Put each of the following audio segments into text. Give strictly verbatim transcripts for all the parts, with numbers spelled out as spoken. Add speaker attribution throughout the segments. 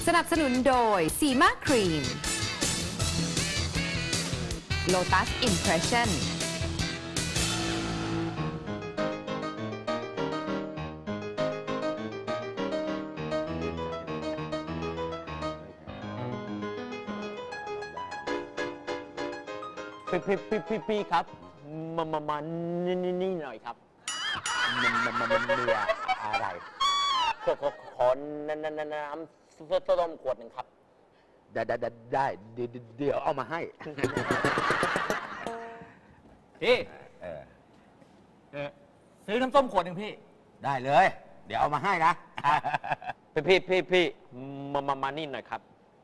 Speaker 1: สนับสนุนโดยซีมาครีม Lotus Impression
Speaker 2: พี่พี่พี่พี่พี่ครับมามามานี่นี่นี่หน่อยครับมันมันมันมันเรืออะไรขอขอขอน้ำน้ำน้ำต้มขวดหนึ่งครับได้ได้ได้เดี๋ยวเดี๋ยวเอามาให้
Speaker 3: พี่เออซื้อน้ำส้มขวดหนึ่งพี่
Speaker 2: ได้เลยเดี๋ยวเอามาให้นะพี่พี่พี่พี่มามามานี่หน่อยครับ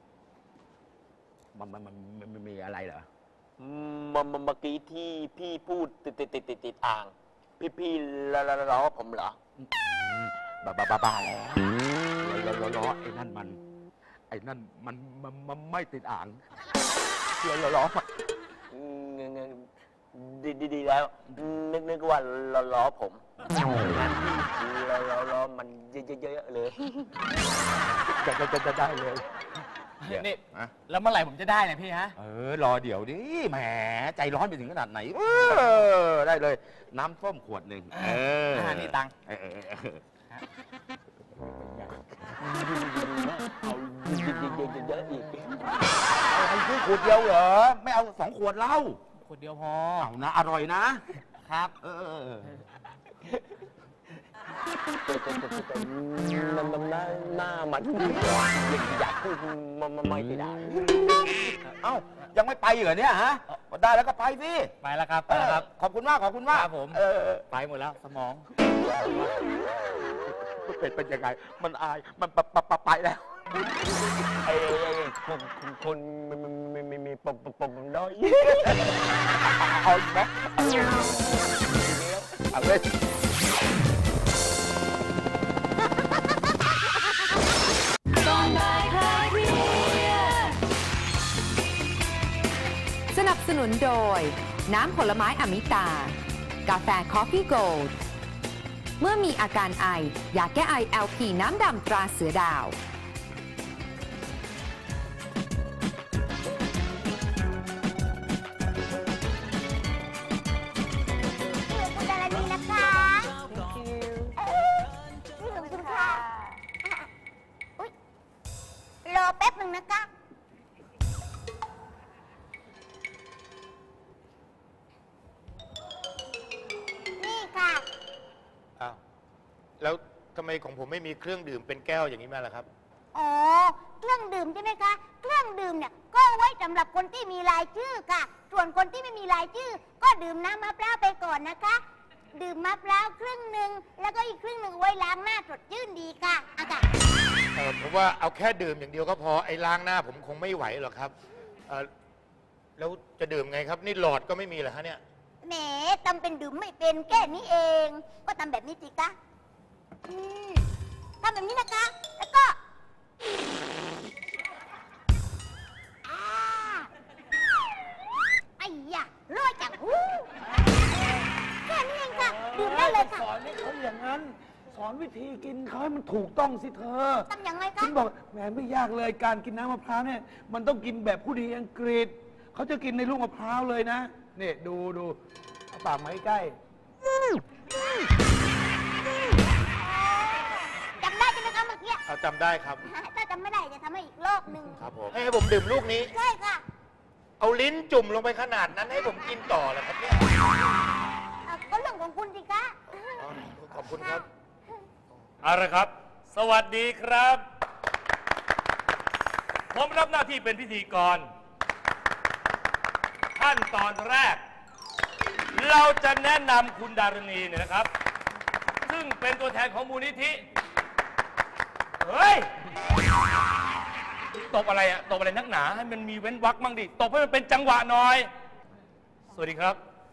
Speaker 2: มันมันมันมันมีอะไรเหรอเมื่อเมื่อกี้ที่พี่พูดติดติดติดติดติดอ่างพี่พี่ล้อล้อผมเหรอบ้าบ้าบ้าบ้าแล้วล้อล้อไอ้นั่นมันไอ้นั่นมันมันมันไม่ติดอ่างล้อล้อล้อดีดีดีแล้วนึกนึกว่าล้อล้อผมงั้นพี่ล้อล้อล้อมันเยอะเยอะเลยจะจะจะได้เลย
Speaker 3: นี่แล้วเมื่อไหร่ผมจะได้เนี่ยพี่ฮะ
Speaker 2: เออรอเดี๋ยวดิแหมใจร้อนไปถึงขนาดไหนเออได้เลยน้ำส้มขวดหนึ่งเออ
Speaker 3: นี่ตัง
Speaker 2: เออเอาเยอะๆอีกอะไรซื้อขวดเดียวเหรอไม่เอาสองขวดเหล้า
Speaker 3: ขวดเดียวพอ
Speaker 2: เอานะอร่อยนะครับเออมันมันหน้าหน้ามันอยากพูดมันมันไม่ได้เอ้ายังไม่ไปเหรอเนี่ยฮะได้แล้วก็ไปสิ
Speaker 3: ไปแล้วครับไปแล้วครับ
Speaker 2: ขอบคุณมากขอบคุณมาก
Speaker 3: ครับผมไปหมดแล้วสมอง
Speaker 2: เป็นเป็นยังไงมันอายมันปะปะไปแล้วไอ้คนคนมีมีมีมีปมปมด้อยเอาไหมเอาเลย
Speaker 1: สนับสนุนโดยน้ำผลไม้อมิตากาแฟคอฟฟี่โกลด์เมื่อมีอาการไอยาแก้ไอ แอล พี น้ำดำตราเสือดาว
Speaker 4: คุณดารณีนะคะนี่ของคุณค่ะอุ๊ยรอแป๊บหนึ่งนะคะ
Speaker 5: แล้วทำไมของผมไม่มีเครื่องดื่มเป็นแก้วอย่างนี้มาล่ะครับ
Speaker 4: อ๋อเครื่องดื่มใช่ไหมคะเครื่องดื่มเนี่ยก็ไว้สำหรับคนที่มีรายชื่อค่ะส่วนคนที่ไม่มีรายชื่อก็ดื่มน้ำมะพร้าวไปก่อนนะคะดื่มมะพร้าวครึ่งหนึ่งแล้วก็อีกครึ่งหนึ่งไว้ล้างหน้าสดชื่นดีค่ะอากาศ
Speaker 5: เออผมว่าเอาแค่ดื่มอย่างเดียวก็พอไอ้ล้างหน้าผมคงไม่ไหวหรอกครับเออแล้วจะดื่มไงครับนี่หลอดก็ไม่มีเหรอฮะเนี่ย
Speaker 4: แหมทำเป็นดื่มไม่เป็นแค่นี้เองก็ทำแบบนี้สิคะทำแบบนี้นะคะแล้วก็ไอ้ยะรวยจังหูแค่นี้เองค่ะดื่มได้เลยค่ะ
Speaker 6: สอนให้เขาอย่างนั้นสอนวิธีกินเขาให้มันถูกต้องสิเธอ
Speaker 4: ทำยังไงคะ
Speaker 6: ฉันบอกแหมไม่ยากเลยการกินน้ำมะพร้าวเนี่ยมันต้องกินแบบผู้ดีอังกฤษเขาจะกินในลูกมะพร้าวเลยนะนี่ดูดูเอาปากมาใกล้
Speaker 4: จำได้ใช่ไหมคะเมื่อกี้
Speaker 5: จำได้ครับ
Speaker 4: ถ้าจำไม่ได้จะทำให้อีกรอบหนึ่ง
Speaker 5: ครับผมให้ผมดื่มลูกนี้
Speaker 4: ใช่ค่ะ
Speaker 5: เอาลิ้นจุ่มลงไปขนาดนั้นให้ผมกินต่อเหรอครับเนี่ย
Speaker 4: ก็เรื่องของคุณสิคะ
Speaker 5: ขอบคุณครับ
Speaker 7: เอาละครับสวัสดีครับผมรับหน้าที่เป็นพิธีกรขั้นตอนแรกเราจะแนะนำคุณดารณีเนี่ยนะครับซึ่งเป็นตัวแทนของมูลนิธิเฮ้ยตบอะไรอะตบอะไรนักหนาให้มันมีเว้นวรรคมั่งดิตบให้มันเป็นจังหวะหน่อยสวัสดีครับ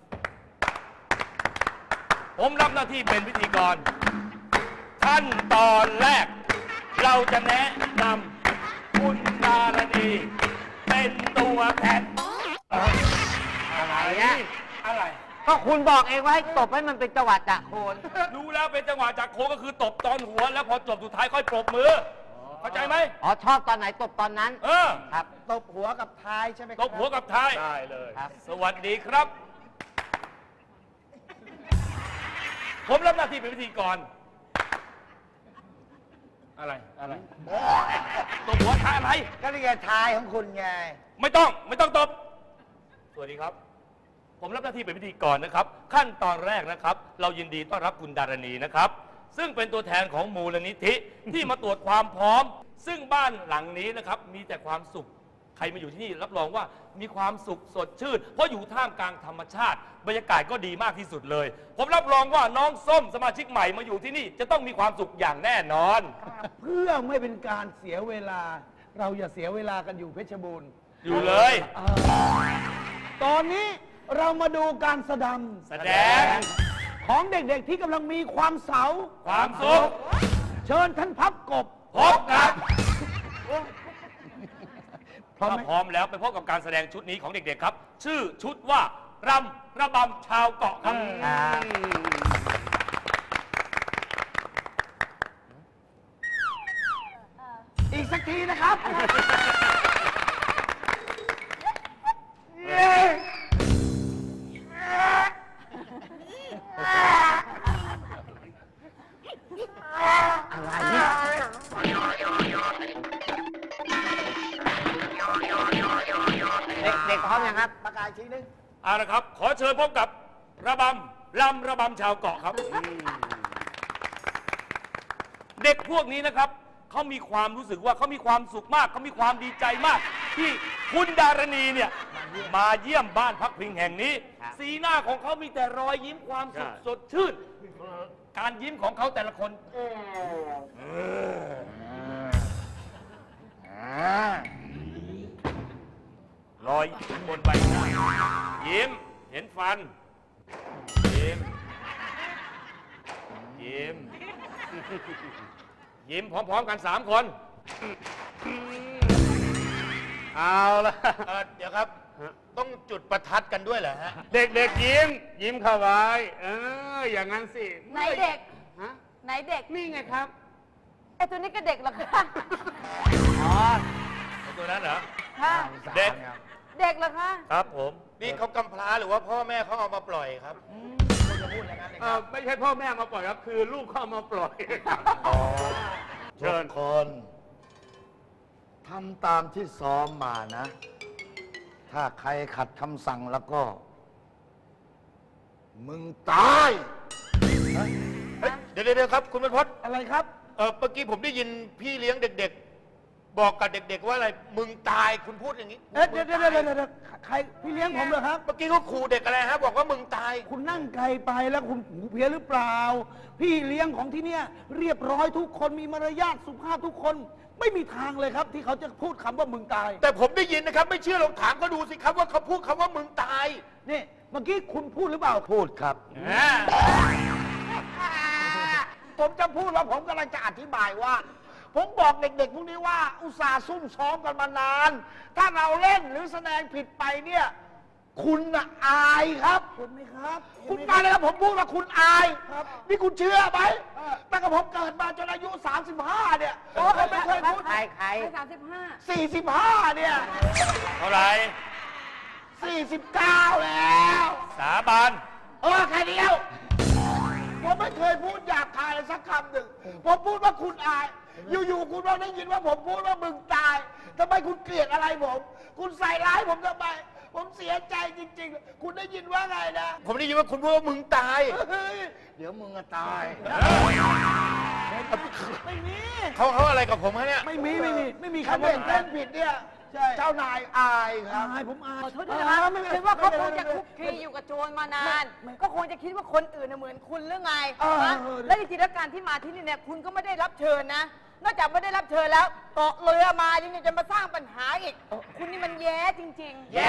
Speaker 7: ผมรับหน้าที่เป็นพิธีกรขั้นตอนแรกเราจะแนะนำคุณดารณีเป็นตัวแทน
Speaker 2: อะไรเนี่ย
Speaker 7: อะไร
Speaker 2: ก็คุณบอกเองว่าให้ตบให้มันเป็นจังหวะจะโคน
Speaker 7: รู้แล้วเป็นจังหวะจะโคนก็คือตบตอนหัวแล้วพอจบสุดท้ายค่อยปรบมือเข้าใจไหม
Speaker 2: อ๋อชอบตอนไหนตบตอนนั้น
Speaker 7: เออ
Speaker 2: ครับ
Speaker 6: ตบหัวกับท้ายใช่ไหมค
Speaker 7: ต
Speaker 6: รับบ
Speaker 7: หัวกับท้าย
Speaker 3: ได้เลย
Speaker 2: ครับ
Speaker 7: สวัสดีครับ ผมรับหน้าที่เป็นพิธีกร อะไร อะไรตบหัวท้ายอะไร
Speaker 6: ก็นี่ไงท้ายของคุณไง
Speaker 7: ไม่ต้อง ไม่ต้องตบ สวัสดีครับ ผมรับหน้าที่เป็นพิธีกรนะครับ ขั้นตอนแรกนะครับ เรายินดีต้อนรับคุณดารณีนะครับ ซึ่งเป็นตัวแทนของมูลนิธิที่มาตรวจความพร้อม ซึ่งบ้านหลังนี้นะครับ มีแต่ความสุข ใครมาอยู่ที่นี่รับรองว่ามีความสุขสดชื่น เพราะอยู่ท่ามกลางธรรมชาติ บรรยากาศก็ดีมากที่สุดเลย ผมรับรองว่าน้องส้มสมาชิกใหม่มาอยู่ที่นี่จะต้องมีความสุขอย่างแน่นอน
Speaker 6: เพื่อไม่เป็นการเสียเวลา เราอย่าเสียเวลากันอยู่เพชรบูรณ์
Speaker 7: อยู่เลย
Speaker 6: ตอนนี้เรามาดูการแสดง
Speaker 7: แสดง
Speaker 6: ของเด็กๆที่กำลังมีความเสา
Speaker 7: ความสุข
Speaker 6: เชิญท่านพับกบ
Speaker 7: พบกับ
Speaker 6: พร้อม
Speaker 7: ถ้า
Speaker 6: ไหม
Speaker 7: พร้อมแล้วไปพบกับการแสดงชุดนี้ของเด็กๆครับ ชื่อชุดว่ารำระบำชาวเกาะครับ
Speaker 6: อีกสักทีนะครับ
Speaker 2: เด็กๆพร้อมยังครับ
Speaker 6: ประกาศทีนึง
Speaker 7: เอาละครับ ขอเชิญพบกับระบำลำระบำชาวเกาะครับ เด็กพวกนี้นะครับเขามีความรู้สึกว่าเขามีความสุขมากเขามีความดีใจมาก ที่คุณดารณีเนี่ยมาเยี่ยมบ้านพักพิงแห่งนี้
Speaker 2: ครับ
Speaker 7: สีหน้าของเขามีแต่รอยยิ้มความสุขสดชื่น การยิ้มของเขาแต่ละคนรอยบนใบหน้ายิ้มเห็นฟัน ยิ้ม ยิ้ม ยิ้มพร้อมๆกันสามคน
Speaker 3: เอาละ
Speaker 5: เอ่อเดี๋ยวครับ ต้องจุดประทัดกันด้วยเหรอฮะ
Speaker 3: เด็กๆยิ้ม ยิ้มเข้าไว้เอออย่างนั้นสิ
Speaker 8: ไหนเด็ก
Speaker 3: ฮะ
Speaker 8: ไหนเด็ก
Speaker 3: นี่ไงครับ
Speaker 8: ไอ้ตัวนี้ก็เด็กเหรอคะ
Speaker 2: อ๋อ
Speaker 7: ตัวนั้นเหรอ
Speaker 8: ค่ะ
Speaker 7: เด็ก
Speaker 8: เด็กเหรอคะ
Speaker 7: ครับผม
Speaker 5: นี่เขากำพร้าหรือว่าพ่อแม่เขาเอามาปล่อยครับ
Speaker 3: เออไม่ใช่พ่อแม่มาปล่อยครับ คือลูกเข้ามาปล่อย
Speaker 9: เชิญคนทำตามที่ซ้อมมานะ ถ้าใครขัดคำสั่งแล้วก็ มึงตาย
Speaker 5: เดี๋ยวเดี๋ยวครับ คุณบรรพต
Speaker 6: อะไรครับ
Speaker 5: เออเมื่อกี้ผมได้ยินพี่เลี้ยงเด็กๆ บอกกับเด็กๆว่าอะไร มึงตายคุณพูดอย่างนี้
Speaker 6: เอ๊ะเดี๋ยวเดี๋ยวเดี๋ยวเดี๋ยวใครพี่เลี้ยงผมเหรอครับ
Speaker 5: เมื่อกี้เขาขู่เด็กอะไรฮะ บอกว่ามึงตาย
Speaker 6: คุณนั่งไกลไปแล้วคุณหูเพี้ยนหรือเปล่า พี่เลี้ยงของที่เนี่ยเรียบร้อยทุกคนมีมารยาทสุภาพทุกคน ไม่มีทางเลยครับ ที่เขาจะพูดคำว่ามึงตาย
Speaker 5: แต่ผมได้ยินนะครับ ไม่เชื่อลองถามเขาดูสิครับว่าเขาพูดคำว่ามึงตาย
Speaker 6: นี่เมื่อกี้คุณพูดหรือเปล่า
Speaker 9: พูดครับ
Speaker 6: ผมจะพูดว่าผมกำลังจะอธิบายว่า ผมบอกเด็กๆพวกนี้ว่าอุตส่าห์ซุ่มซ้อมกันมานาน ถ้าเราเล่นหรือแสดงผิดไปเนี่ย คุณน่ะอายครับเห็นไหมครับ คุณมาเลยครับผมพูดว่าคุณอายครับนี่คุณเชื่อไหมตั้งแต่ผมเกิดมาจนอายุ สามสิบห้า เนี่ยผมไม่เคยพูด
Speaker 2: ใครใคร
Speaker 8: สามสิบห้า
Speaker 6: สี่สิบห้า เนี่ย
Speaker 7: เท่าไหร่
Speaker 6: สี่สิบเก้า แล้ว
Speaker 7: สาบาน
Speaker 6: เออแค่เดียว ผมไม่เคยพูดหยาบคายเลยสักคำหนึ่งผมพูดว่าคุณอาย อยู่ๆคุณเราได้ยินว่าผมพูดว่ามึงตายทำไมคุณเกลียดอะไรผม คุณใส่ร้ายผมทำไม ผมเสียใจจริงๆ คุณได้ยินว่าไงนะ
Speaker 5: ผมได้ยินว่าคุณพูดว่ามึงตาย
Speaker 6: เฮ้ย
Speaker 9: เดี๋ยวมึงจะตาย
Speaker 6: ไม่มี
Speaker 5: เขาเขาอะไรกับผมฮะเนี่ย
Speaker 6: ไม่มีไม่มีไม่มี
Speaker 9: ถ้า
Speaker 6: คำว่า
Speaker 9: เด็กเล่นผิดเนี่ย
Speaker 6: ใช่
Speaker 9: เจ้านายอายครับ
Speaker 6: อายผมอาย
Speaker 8: ขอโทษด้วยนะคะ
Speaker 6: ไม่ไม่
Speaker 8: คิดว่าเขาคง
Speaker 6: ไม่
Speaker 8: จะ
Speaker 6: ไม่
Speaker 8: คุกคีอยู่กับโจรมานาน ก็คงจะคิดว่าคนอื่นน่ะเหมือนคุณหรือไง
Speaker 6: เออ
Speaker 8: ฮะ
Speaker 6: เออ
Speaker 8: และจริงๆแล้วการที่มาที่นี่เนี่ยคุณก็ไม่ได้รับเชิญนะ นอกจากไม่ได้รับเชิญแล้วเกาะเรือมายังจะมาสร้างปัญหาอีก คุณนี่มันแย่จริงๆ
Speaker 7: แย่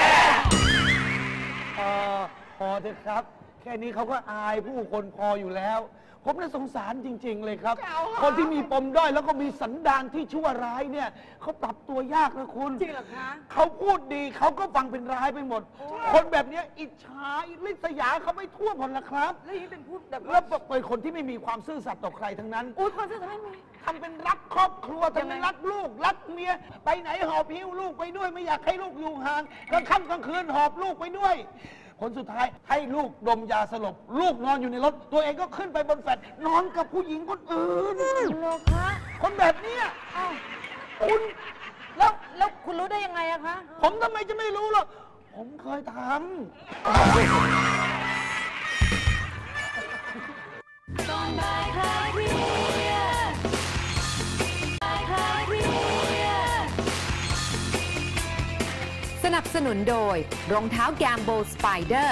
Speaker 6: เออพอเถอะครับ แค่นี้เขาก็อายผู้คนพออยู่แล้ว พผมน่ะสงสารจริง ๆ เลยครับ คนที่มีปมด้อยแล้วก็มีสันดานที่ชั่วร้ายเนี่ยเขาปรับตัวยากนะคุณ
Speaker 8: จริงเหรอคะ
Speaker 6: เขาพูดดีเขาก็ฟังเป็นร้ายไปหมด คนแบบเนี้ยอิจฉาริษยาเขาไม่ทั่วหมดละครับ
Speaker 8: แล้วอย่างนี้เป็นพูดแบบ
Speaker 6: แล้วเป็นคนที่ไม่มีความซื่อสัตย์ต่อใครทั้งนั้น
Speaker 8: อุ้ยความซื่อสัตย์ไม่มี
Speaker 6: ทำเป็นรักครอบครัวทำเป็นรักลูกรักเมียไปไหนหอบหิ้วลูกไปด้วยไม่อยากให้ลูกอยู่ห่างกลางค่ำกลางคืนหอบลูกไปด้วยผลสุดท้ายให้ลูกดมยาสลบลูกนอนอยู่ในรถตัวเองก็ขึ้นไปบนแฟลตนอนกับผู้หญิงคนอื่น
Speaker 8: โลคะ
Speaker 6: คนแบบเนี้ย
Speaker 8: อ้าว
Speaker 6: คุณ
Speaker 8: แล้วแล้วคุณรู้ได้ยังไงอะคะ
Speaker 6: ผมทำไมจะไม่รู้ล่ะผมเคยทำ
Speaker 1: สนับสนุนโดยรองเท้าแกมโบสไปเดอร์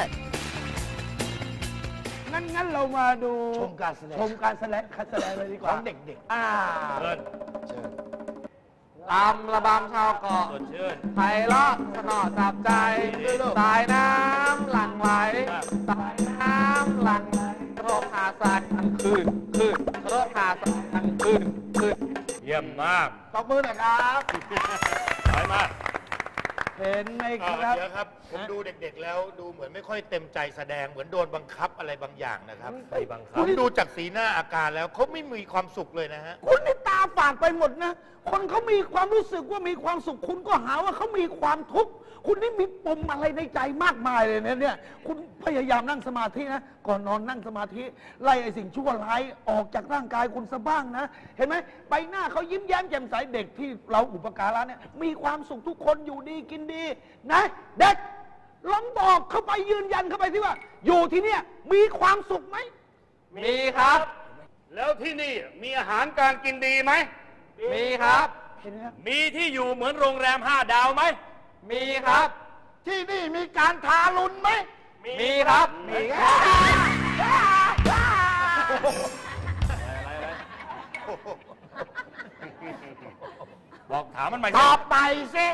Speaker 6: งั้นงั้นเรามาดู
Speaker 9: ชมการแสดง
Speaker 6: ชมการแสดงการแสดงเลยดีก
Speaker 9: ข
Speaker 6: ว่า
Speaker 9: องเด็ก
Speaker 6: อ่า
Speaker 7: เชิญ
Speaker 9: ๆ เชิญ
Speaker 10: ตามระบำชาวเกาะ
Speaker 7: สดชื่น
Speaker 10: ไพเราะสนอจับใจ สายน้ำหลั่งไหล สายน้ำหลั่งไหลรถหาสายทั้งคืนคืนรถหาสายทั้งคืนคืน
Speaker 7: เยี่ยมมาก
Speaker 6: ตบมือหน่อยครับ
Speaker 7: สายมาก
Speaker 6: เห็นไหมค
Speaker 5: อ่า
Speaker 6: รับ
Speaker 5: เดี๋ยวครับ ผมดูเด็กๆแล้วดูเหมือนไม่ค่อยเต็มใจแสดงเหมือนโดนบังคับอะไรบางอย่างนะครับ
Speaker 7: ไปบังคั
Speaker 5: ผ
Speaker 7: บ
Speaker 5: มดูจากสีหน้าอาการแล้วเขาไม่มีความสุขเลยนะฮะ
Speaker 6: คุณนี่ตาฝาดไปหมดนะ คนเขามีความรู้สึกว่ามีความสุข คุณก็หาว่าเขามีความทุกข์ คุณนี่มีปมอะไรในใจมากมายเลยนะเนี่ย คุณพยายามนั่งสมาธินะ ก่อนนอนนั่งสมาธิ ไล่ไอ้สิ่งชั่วร้ายออกจากร่างกายคุณซะบ้างนะ เห็นไหมใบหน้าเขายิ้มแย้มแจ่มใสเด็กที่เราอุปการะเนี่ย มีความสุขทุกคนอยู่ดีกินดี นะ เด็กลองบอกเข้าไปยืนยันเข้าไปที่ว่า อยู่ที่เนี่ยมีความสุขไหม
Speaker 10: มีครับ
Speaker 7: แล้วที่นี่มีอาหารการกินดีไหม
Speaker 10: มีครับ
Speaker 6: เห็นไหมครับ
Speaker 7: มีที่อยู่เหมือนโรงแรมห้าดาวไหม
Speaker 10: มีครับ
Speaker 6: ที่นี่มีการทารุณไหม
Speaker 10: มีครับ
Speaker 7: มีครับบอกถามมันใหม่
Speaker 6: ตอบไปสิ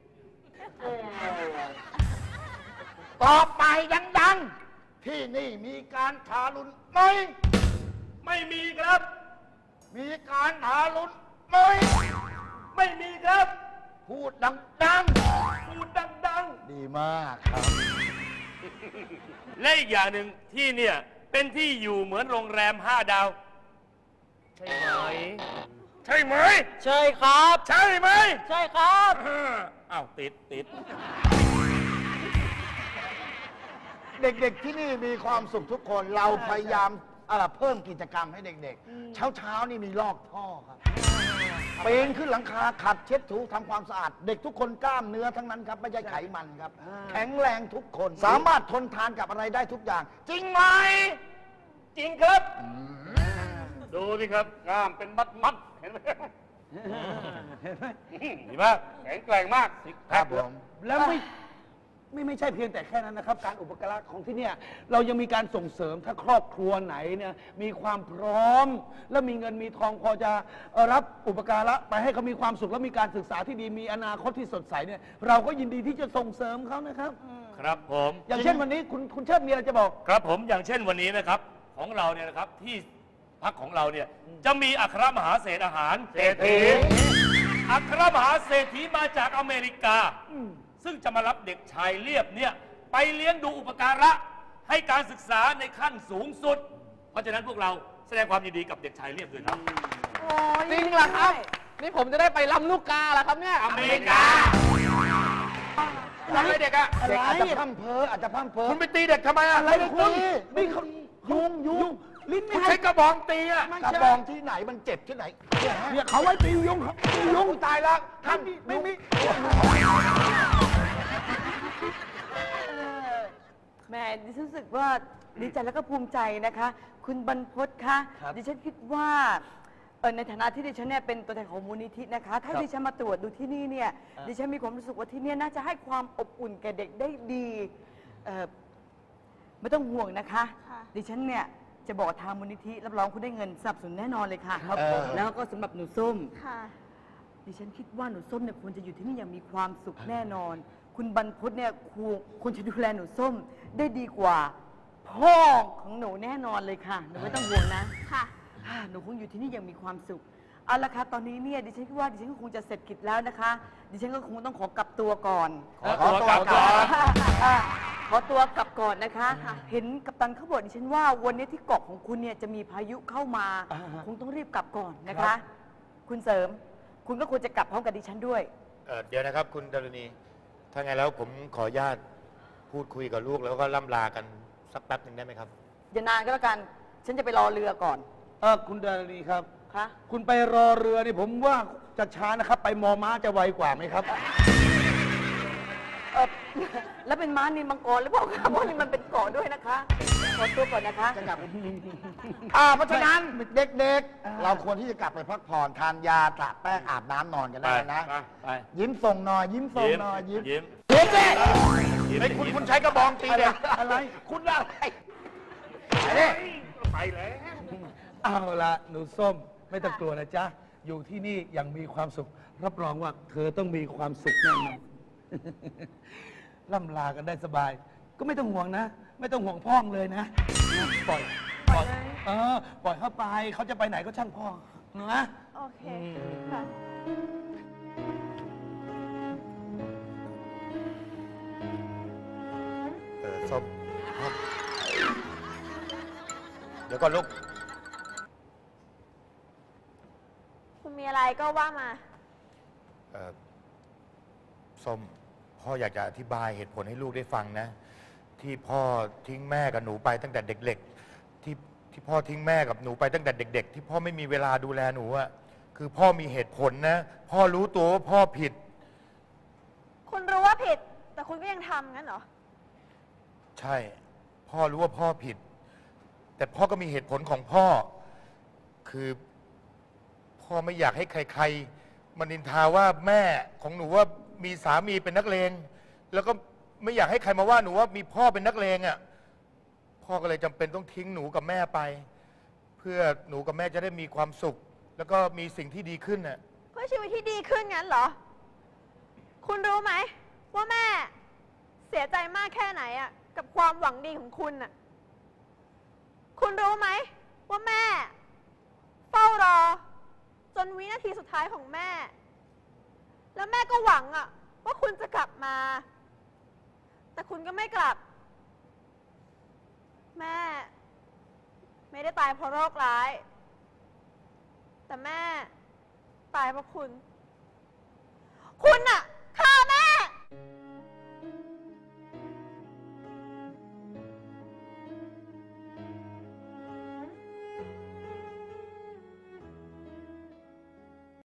Speaker 6: ตอบไปดังๆ ที่นี่มีการทารุณไหม
Speaker 7: ไม่มีครับ
Speaker 6: มีการทารุณไหม
Speaker 7: ไม่มีครับ
Speaker 6: พูดดัง
Speaker 7: พูดดัง
Speaker 9: ดีมากครับ
Speaker 7: ๆ และอีกอย่างหนึ่งที่เนี่ยเป็นที่อยู่เหมือนโรงแรมห้าดาว ใช่ไหม ใช่ไหม
Speaker 10: ใช่ครับ
Speaker 7: ใช่ไหม
Speaker 10: ใช่ครับ
Speaker 7: อ้าวติดติด
Speaker 9: เด็กๆที่นี่มีความสุขทุกคน เราพยายามเอ่อเพิ่มกิจกรรมให้เด็กๆ เช้าๆนี่มีลอกท่อครับปีนขึ้นหลังคาขัดเช็ดถูทำความสะอาด เด็กทุกคนกล้ามเนื้อทั้งนั้นครับไม่ใช่ไขมันครับ แข็งแรงทุกคน สามารถทนทานกับอะไรได้ทุกอย่าง จริงไหม
Speaker 7: จริงครับ ดูสิครับกล้ามเป็นมัดมัดๆเห็นไหมดีมากแข็งแกร่งมากซิกแพ
Speaker 9: ครับ
Speaker 7: ค
Speaker 9: ผม
Speaker 6: ๆ แล้วไม่ไม่ไม่ใช่เพียงแต่แค่นั้นนะครับ การอุปการะของที่เนี่ยเรายังมีการส่งเสริมถ้าครอบครัวไหนเนี่ยมีความพร้อม และมีเงินมีทองพอจะเอ่อรับอุปการะไปให้เขามีความสุขและมีการศึกษาที่ดีมีอนาคตที่สดใสเนี่ยเราก็ยินดีที่จะส่งเสริมเขานะครับ
Speaker 7: ครับผม
Speaker 6: อย่างเช่นวันนี้คุณคุณเชิดมีอะไรจะบอก
Speaker 7: ครับผมอย่างเช่นวันนี้นะครับของเราเนี่ยนะครับที่พักของเราเนี่ยจะมีอัครมหาเศรษฐอาหารเศรษฐีอัครมหาเศรษฐีมาจากอเมริกา ซึ่งจะมารับเด็กชายเลียบเนี่ยไปเลี้ยงดูอุปการะให้การศึกษาในขั้นสูงสุด เพราะฉะนั้นพวกเราแสดงความยินดีกับเด็กชายเลียบด้วยครับ
Speaker 10: จริงเหรอครับ นี่ผมจะได้ไปลำลูกกาเหรอครับเนี่ย
Speaker 7: อเมริกาทำไมเด็กอะ
Speaker 9: เด็กอาจจะพร่ำเพ้ออาจจะพร่ำเพ้อ
Speaker 5: คุณไปตีเด็กทำไมอะ
Speaker 6: อะไรคุณนี่เขายุงยุงลิ้นไม่
Speaker 5: คุณ
Speaker 6: ให้
Speaker 5: ใช้กระบองตีอะ
Speaker 9: กระบองที่ไหนมันเจ็บที่ไหน
Speaker 6: เนี่ยเขาไว้ตียุงเขาตียุงตายแล้วท่านไม่มี
Speaker 8: แหม่ดิฉันรู้สึกว่าดีใจแล้วก็ภูมิใจนะคะ คุณบรรพตคะดิฉันคิดว่าเอ่อในฐานะที่ดิฉันเนี่ยเป็นตัวแทนของมูลนิธินะคะ ถ้าดิฉันมาตรวจดูที่นี่เนี่ยดิฉันมีความรู้สึกว่าที่เนี่ยน่าจะให้ความอบอุ่นแก่เด็กได้ดีเอ่อไม่ต้องห่วงนะคะ ดิฉันเนี่ยจะบอกทางมูลนิธิรับรองคุณได้เงินสนับสนุนแน่นอนเลยค่ะ
Speaker 9: ครับผม
Speaker 8: แล้วก็สำหรับหนูส้ม
Speaker 4: ค่ะ
Speaker 8: ดิฉันคิดว่าหนูส้มเนี่ยควรจะอยู่ที่นี่อย่างมีความสุขแน่นอน คุณบรรพตเนี่ยควรควรจะดูแลหนูส้มได้ดีกว่าพ่อของหนูแน่นอนเลยค่ะหนูไม่ต้องห่วงนะ
Speaker 4: ค่ะ
Speaker 8: อ่าหนูคงอยู่ที่นี่อย่างมีความสุขเอาละค่ะตอนนี้เนี่ยดิฉันคิดว่าดิฉันก็คงจะเสร็จกิจแล้วนะคะ ดิฉันก็คงต้องขอกลับตัวก่อน
Speaker 7: ขอตัวกลับก่อน
Speaker 8: อ่าขอตัวกลับก่อนนะคะ เห็นกัปตันเขาบอกดิฉันว่าวันนี้ที่เกาะของคุณเนี่ยจะมีพายุเข้ามา คงต้องรีบกลับก่อนนะคะ คุณเสริม คุณก็ควรจะกลับพร้อมกับดิฉันด้วย
Speaker 5: เอ่อเดี๋ยวนะครับคุณดารณี ถ้าไงแล้วผมขออนุญาตพูดคุยกับลูกแล้วก็ล่ำลากันสักแป๊บหนึ่งได้ไหมครับ
Speaker 8: อย่านานก็แล้วกัน ฉันจะไปรอเรือก่อน
Speaker 9: เออคุณดารณีครับ
Speaker 8: คะ
Speaker 9: คุณไปรอเรือนี่ผมว่าจะช้านะครับ ไปมอม้าจะไวกว่าไหมครับ
Speaker 8: เออแล้วเป็นม้านินมังกรหรือเปล่าคะเพราะนี่มันเป็นเกาะด้วยนะคะ ขอตัวก่อนนะคะ
Speaker 9: จะกลับอ่าเพราะฉะนั้นเด็กๆ เราควรที่จะกลับไปพักผ่อนทานยาตระแป้งอาบน้ำนอนกันได้นะ
Speaker 7: ไปไป
Speaker 9: ยิ้มส่งหน่อย ยิ้มส่งหน่อยยิ้ม
Speaker 7: ยิ้ม
Speaker 9: เฮ้ย
Speaker 7: ยิ้ม
Speaker 5: ไอ้ยคุณคุณใช้กระบองตีเนี่ย
Speaker 9: อะไร
Speaker 6: คุณอะไร
Speaker 5: ไปแล้ว
Speaker 9: เอาละหนูส้มไม่ต้องกลัวนะจ๊ะ อยู่ที่นี่อย่างมีความสุข รับรองว่าเธอต้องมีความสุขแน่นอนล่ำลากันได้สบาย ก็ไม่ต้องห่วงนะ ไม่ต้องห่วงพ่องเลยนะ ปล่อยปล่อยเออปล่อยเข้าไปเขาจะไปไหนก็ช่างพ่อนะ
Speaker 4: โอเค ค่ะ
Speaker 5: เออส้มเดี๋ยวก่อนลูก
Speaker 4: คุณมีอะไรก็ว่ามา
Speaker 5: เอ่อส้มพ่ออยากจะอธิบายเหตุผลให้ลูกได้ฟังนะ ที่พ่อทิ้งแม่กับหนูไปตั้งแต่เด็กๆที่ที่พ่อทิ้งแม่กับหนูไปตั้งแต่เด็ก ๆ ที่พ่อไม่มีเวลาดูแลหนูอะคือพ่อมีเหตุผลนะ พ่อรู้ตัวว่าพ่อผิด
Speaker 4: คุณรู้ว่าผิด แต่คุณก็ยังทำงั้นเหรอ
Speaker 5: ใช่ พ่อรู้ว่าพ่อผิด แต่พ่อก็มีเหตุผลของพ่อ คือพ่อไม่อยากให้ใครๆมานินทาว่าแม่ของหนูว่ามีสามีเป็นนักเลงแล้วก็ไม่อยากให้ใครมาว่าหนูว่ามีพ่อเป็นนักเลงอ่ะพ่อก็เลยจำเป็นต้องทิ้งหนูกับแม่ไป เพื่อหนูกับแม่จะได้มีความสุข แล้วก็มีสิ่งที่ดีขึ้นน่ะ
Speaker 4: เพื่อชีวิตที่ดีขึ้นงั้นเหรอ คุณรู้ไหมว่าแม่เสียใจมากแค่ไหนอะกับความหวังดีของคุณอะคุณรู้ไหมว่าแม่เฝ้ารอ จนวินาทีสุดท้ายของแม่ แล้วแม่ก็หวังอะว่าคุณจะกลับมา แต่คุณก็ไม่กลับ แม่ไม่ได้ตายเพราะโรคร้าย แต่แม่ตายเพราะคุณ คุณอะ